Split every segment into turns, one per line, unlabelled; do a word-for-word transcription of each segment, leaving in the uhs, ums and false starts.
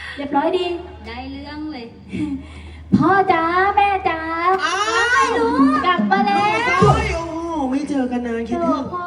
เรียบร้อยดี
ได้เรื่องเลย
พ่อจ๋าแม่จ๋าไม่รู้กลับมาแล้ว
โอ้โหไม่เจอกันนานคิดถึง
พ่อ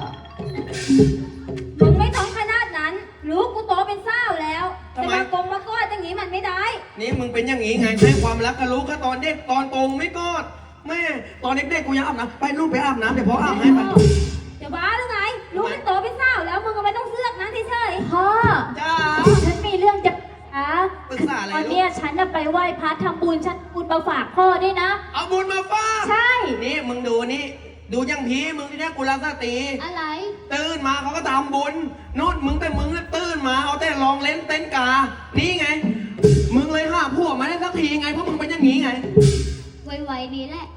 มึงไม่ต้องขนาดนั้นรู้กูโตเป็นสาวแล้วจะมากงมากอดอย่างนี้มันไม่ได้
นี่มึงเป็นอย่างนี้ไงให้ความรักกับลูกก็ตอนเด็กตอนโตไม่กอดแม่ตอนเด็กๆกูยังอาบน้ำไปลูกไปอาบน้ำเดี๋ยวพ่ออาบให้ไป
จะบ้าหรือไงรู้มันโตเป็นสาวแล้วมึงก็ไม่ต้องเสือกนะเฉย
ๆพ่อ
จ้า
ฉันมีเรื่องจะ
ปรึกษาอะไร
วันนี้ฉันไปไหว้พระทำบุญฉันบุญมาฝากพ่อด้วยนะ
เอาบุญมาฝาก
ใช่
นี่มึงดูนี่ดูยังพีมึงที่นี่กุลสตรี
อะไร
ตื่นมาเขาก็ทำบุญนู่นมึงแต่มึงน่ะตื่นมาเอาแต่ลองเล่นเต้นกานี่ไงมึงเลยห้าพวกมาได้สักทีไงเพราะมึงเป็นอย่างนี้ไง
ไวๆนี้แหละ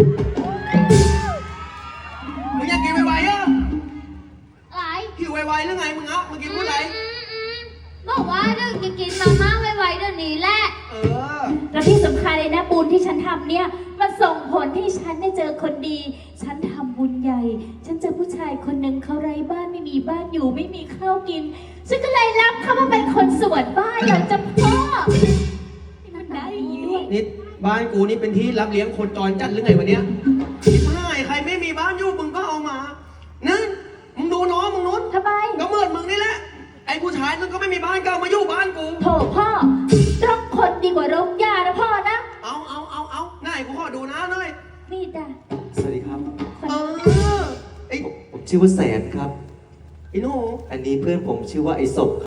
มึงอยากกินไวๆอ่ะ
อะไร
หิวไวๆหรือไงมึงอ่ะมึงกินพูดอะไร
บอกว่าเรื่องกินมาม่าไวๆเดี๋ยวนี้แหละ
เออ
แล้วที่สำคัญเลยนะบุญที่ฉันทำเนี่ยมันส่งผลให้ฉันได้เจอคนดีฉันทำบุญใหญ่ฉันเจอผู้ชายคนหนึ่งเขาไร้บ้านไม่มีบ้านอยู่ไม่มีข้าวกินฉันก็เลยรับเขามาเป็นคนสวนบ้านอยากจะพ่อมันได้อย่างนี้ด้วย
นี่บ้านกูนี่เป็นที่รับเลี้ยงคนจรจัดหรือไงวะเนี้ยไม่ใครไม่มีบ้านอยู่มึงก็เอามานั่นมึงดูน้องมึงนู้น
ทำไม
ก็เหมือนมึงนี่แหละไอ้ผู้ชายนั่นก็ไม่มีบ้านก็มาอยู่บ้านกู
โถพ่อรกคนดีกว่ารกยานะพ่อนะ
เอาเอาเอาเอาหน้ากูขอดูนะหน่อย
นี่จ้ะ
สวัสดีครับ
เออไอ้
ผมชื่อว่าแสนครับ
ไอ้หนู
อันนี้เพื่อนผมชื่อว่าไอ้ศพ